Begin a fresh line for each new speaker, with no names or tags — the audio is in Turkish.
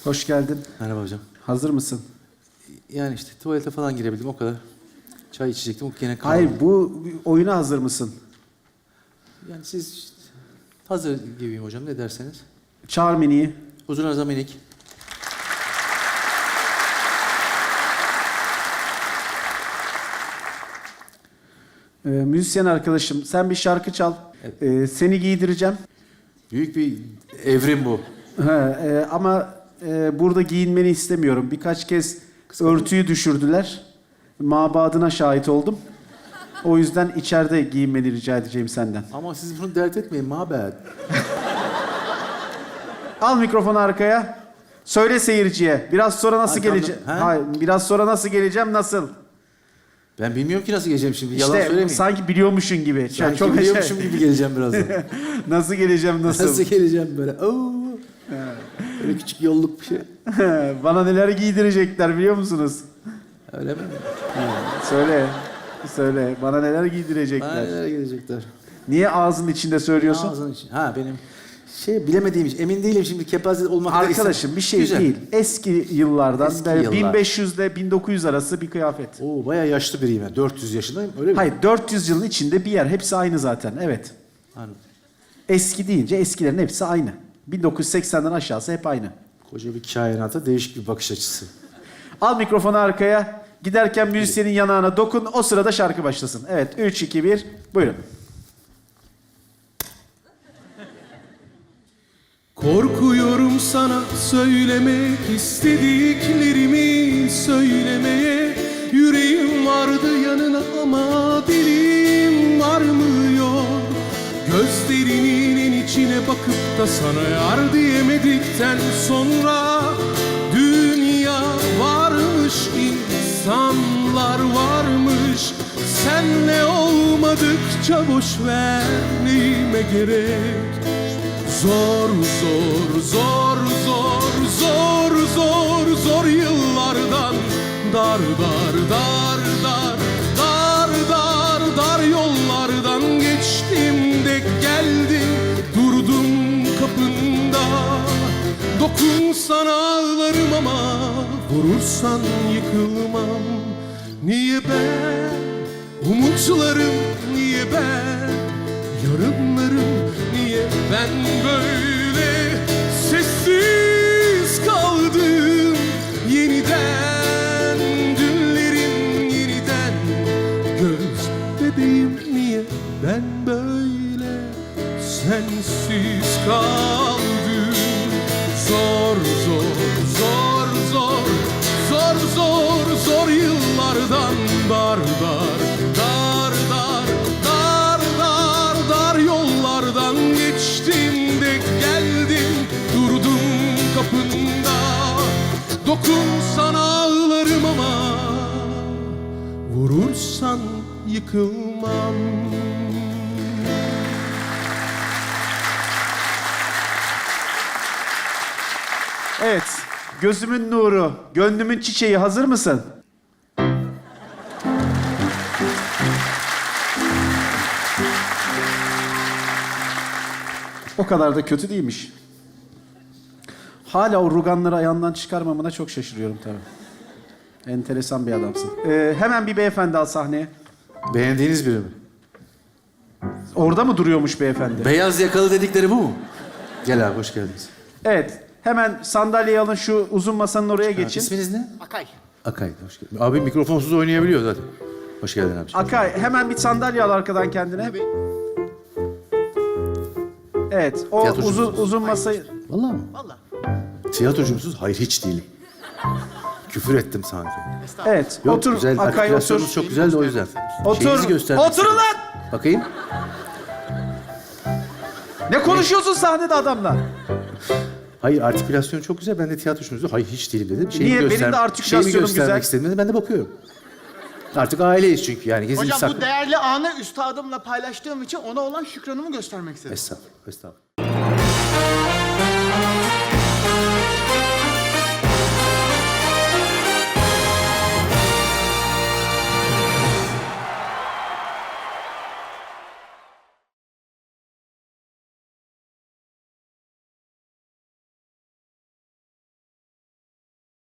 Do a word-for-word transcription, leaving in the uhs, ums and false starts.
Hoş geldin.
Merhaba hocam.
Hazır mısın?
Yani işte tuvalete falan girebildim o kadar. Çay içecektim o gene kaldı.
Hayır, bu oyuna hazır mısın?
Yani siz işte hazır gibiyim hocam ne derseniz.
Çağır Mini'yi.
Uzun arıza minik.
Ee, müzisyen arkadaşım, sen bir şarkı çal.
Evet.
Ee, seni giydireceğim.
Büyük bir evrim bu.
Ha, e, ama e, burada giyinmeni istemiyorum. Birkaç kez örtüyü düşürdüler. Mabadına şahit oldum. O yüzden içeride giyinmeni rica edeceğim senden.
Ama siz bunu dert etmeyin mabed.
Al mikrofonu arkaya. Söyle seyirciye. Biraz sonra nasıl
Ha, tamam.
geleceğim?
Ha?
Hayır, biraz sonra nasıl geleceğim? Nasıl?
Ben bilmiyorum ki nasıl geleceğim şimdi. Yalan
İşte
söylemeyin.
sanki biliyormuşsun gibi.
Sanki
Çok
biliyormuşum gibi geleceğim birazdan.
Nasıl geleceğim, nasıl?
Nasıl geleceğim böyle? Oo. Böyle küçük yolluk bir şey.
Bana neler giydirecekler biliyor musunuz?
Öyle mi?
Söyle. Söyle. Bana neler giydirecekler.
Bana neler gelecekler?
Niye ağzının içinde söylüyorsun?
Ağzının için. Ha benim şey bilemediğim için. Emin değilim şimdi kepaze olmak da
Arkadaşım bir şey
Güzel.
değil. Eski yıllardan
Eski
böyle
yıllar.
bin beş yüz ile bin dokuz yüz arası bir kıyafet.
Oo bayağı yaşlı biriyim ben. dört yüz yaşındayım öyle mi?
Hayır, dört yüz yılın içinde bir yer. Hepsi aynı zaten. Evet.
Anladım.
Eski deyince eskilerin hepsi aynı. bin dokuz yüz seksenden aşağısı hep aynı.
Koca bir kainata değişik bir bakış açısı.
Al mikrofonu arkaya. Giderken müzisyenin yanağına dokun. O sırada şarkı başlasın. Evet. üç, iki, bir. Buyurun.
Korkuyorum sana söylemek istediklerimi söylemeye. Yüreğim vardı yanına ama dilim varmıyor. Gözlerinin en içine bakıp da sana yar diyemedikten sonra dünya varmış, insanlar varmış. Senle olmadıkça boş ver, neyime gerek? Zor zor zor zor zor zor zor yıllardan dar dar dar dar dar dar dar yollardan geçtim de geldim durdum kapında. Dokunsan ağlarım ama vurursan yıkılmam. Niye ben umutlarım, niye ben yarınlarım, niye ben böyle sessiz kaldım? Yeniden dünlerim, yeniden göz bebeğim, niye ben böyle sensiz kaldım? Zor zor zor zor zor zor zor yıllardan dar dar dar dar dar dar dar yollardan geçtim de geldim durdum kapında. Dokunsan ağlarım ama vurursan yıkılmam.
Evet. Gözümün nuru, gönlümün çiçeği, hazır mısın? O kadar da kötü değilmiş. Hala o ruganları ayağından çıkarmamına çok şaşırıyorum tabii. Enteresan bir adamsın. Ee, hemen bir beyefendi al sahneye.
Beğendiğiniz biri mi?
Orada mı duruyormuş beyefendi?
Beyaz yakalı dedikleri bu mu? Gel abi hoş geldiniz.
Evet. Hemen sandalyeyi alın, şu uzun masanın oraya geçin.
İsminiz ne?
Akay.
Akay. Hoş geldin. Abi mikrofonsuz oynayabiliyor zaten. Hoş geldin abi.
Akay, hemen bir sandalye al arkadan kendine. Evet, o
Tiyatrocu
uzun
musunuz?
uzun masayı...
Vallahi mi?
Vallahi.
Tiyatrocu musunuz? Hayır hiç değilim. Küfür ettim sanki.
Evet,
Yok,
otur
güzel.
Akay, otur.
Artikülasyonunuz çok güzel de o yüzden.
Otur,
Şeyinizi göstermek
oturun
istedim.
lan!
Bakayım.
Ne konuşuyorsun sahnede adamla?
Hayır artikülasyon çok güzel. Ben de tiyatrocunuzu hayır hiç değilim dedim.
Niye? Benim de artikülasyonum
şeyimi göstermek
güzel.
istedim. Ben de bakıyorum. Artık aileyiz çünkü yani. Gizli
Hocam
saklı.
bu değerli anı üstadımla paylaştığım için ona olan şükranımı göstermek istedim.
Estağfurullah. Estağfurullah.